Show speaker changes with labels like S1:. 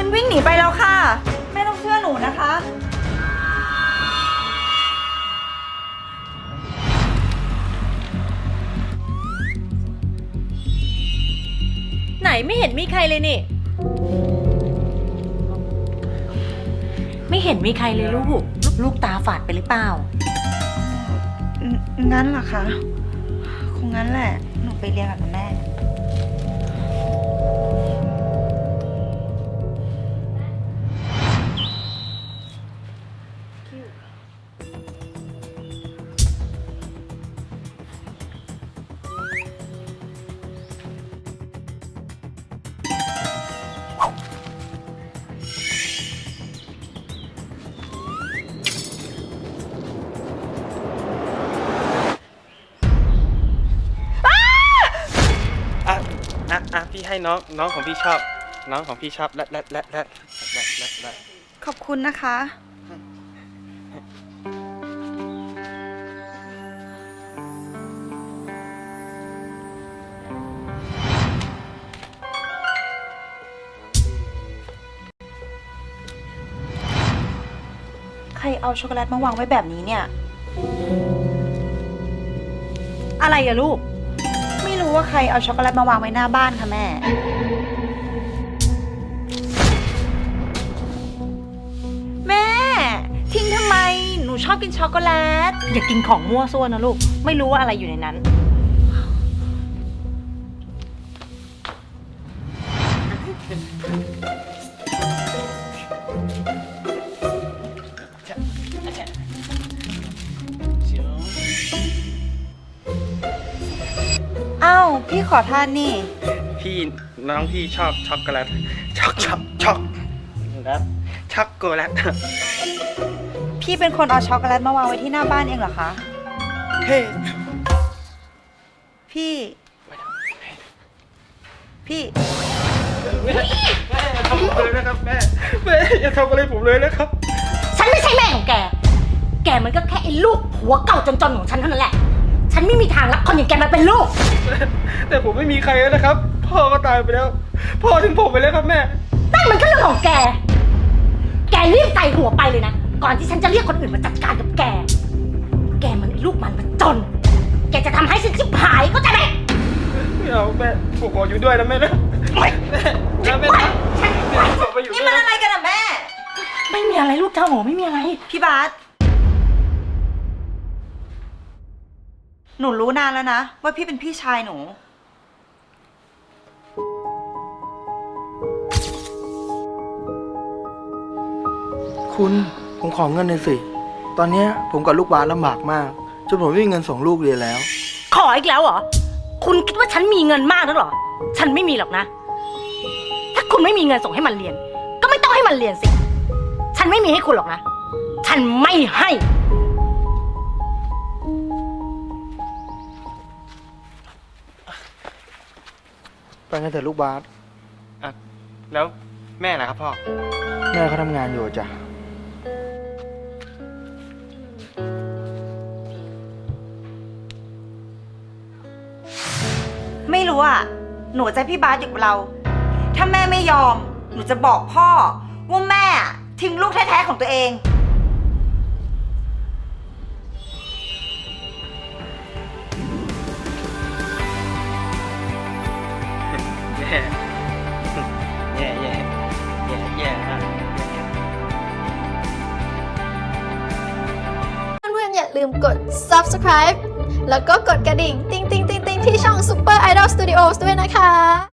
S1: มันวิ่งหนีไปแล้วค่ะแม่ต้องเชื่อหนูนะคะ
S2: ไหนไม่เห็นมีใครเลยนี่ไม่เห็นมีใครเลยลูกตาฝาดไปหรือเปล่า
S1: งั้นเหรอคะคงงั้นแหละหนูไปเรียนกับแม่
S3: พี่ให้น้องของพี่ชอบน้องของพี่ชอบและ
S1: ขอบคุณนะคะ ใครเอาช็อกโกแลตมาวางไว้แบบนี้เนี่ย
S2: อะไรอะลูก
S1: ไม่รู้ว่าใครเอาช็อกโกแลตมาวางไว้หน้าบ้านค่ะแม่ แม่ ทิ้งทำไม หนูชอบกินช็อกโกแลต
S2: อย่ากินของมั่วซั่วนะลูกไม่รู้ว่าอะไรอยู่ในนั้น
S1: อ้าวพี่ขอทานนี่
S3: น้องพี่ชอบช็อกโกแลตช็อกแล้วช็อกโกแลต
S1: พี่เป็นคนเอาช็อกโกแลตมาวางไว้ที่หน้าบ้านเองเหรอคะ
S3: เฮ้
S1: พี่
S3: แม่อย่าทำผมเลยนะครับแม่อย่าทำอะไรผมเลยนะครับ
S2: ฉันไม่ใช่แม่ของแกแกมันก็แค่ไอ้ลูกผัวเก่าจนๆของฉันเท่านั้นแหละฉันไม่มีทางรับคนอย่างแกมาเป็นลูก
S3: แต่ผมไม่มีใครแล้วนะครับพ่อก็ตายไปแล้วพ่อทิ้งผมไปแล้วครับแม่
S2: นั่นมันก็เรื่องของแกรีบใส่หัวไปเลยนะก่อนที่ฉันจะเรียกคนอื่นมาจัดการกับแกมันไอ้ลูกมันจนแกจะทำให้ฉันชิบหายเข้าใจไหม
S3: ไม่เอาแม่ผมขออยู่ด้วยนะแม่นะแม่ผมไปอยู่
S1: นี่มันอะไรกันอะแม่
S2: ไม่มีอะไรลูกเจ้าโหไม่มีอะไร
S1: พี่บาสหนูรู้นานแล้วนะว่าพี่เป็นพี่ชายหนู
S4: คุณผมขอเงินหน่อยสิตอนนี้ผมกับลูกบาสลำบากมากจนผมไม่มีเงินส่งลูกเรียนแล้ว
S2: ขออีกแล้วเหรอคุณคิดว่าฉันมีเงินมากนักเหรอฉันไม่มีหรอกนะถ้าคุณไม่มีเงินส่งให้มันเรียนก็ไม่ต้องให้มันเรียนสิฉันไม่มีให้คุณหรอกนะฉันไม่ให้
S4: ไปกันเถอะลูกบาส
S3: แล้วแม่นะครับพ่อ
S4: แม่เขาทำงานอยู่จ้ะ
S1: ไม่รู้อ่ะ หนูจะให้พี่บาสอยู่กับเรา ถ้าแม่ไม่ยอม หนูจะบอกพ่อว่าแม่ทิ้งลูกแท้ๆของตัวเอง
S3: แย่ฮะ
S5: เพื่อนๆอย่าลืมกด subscribe แล้วก็กดกระดิ่ง ติ๊งๆๆๆที่ช่อง Super Idol Studios ด้วยนะคะ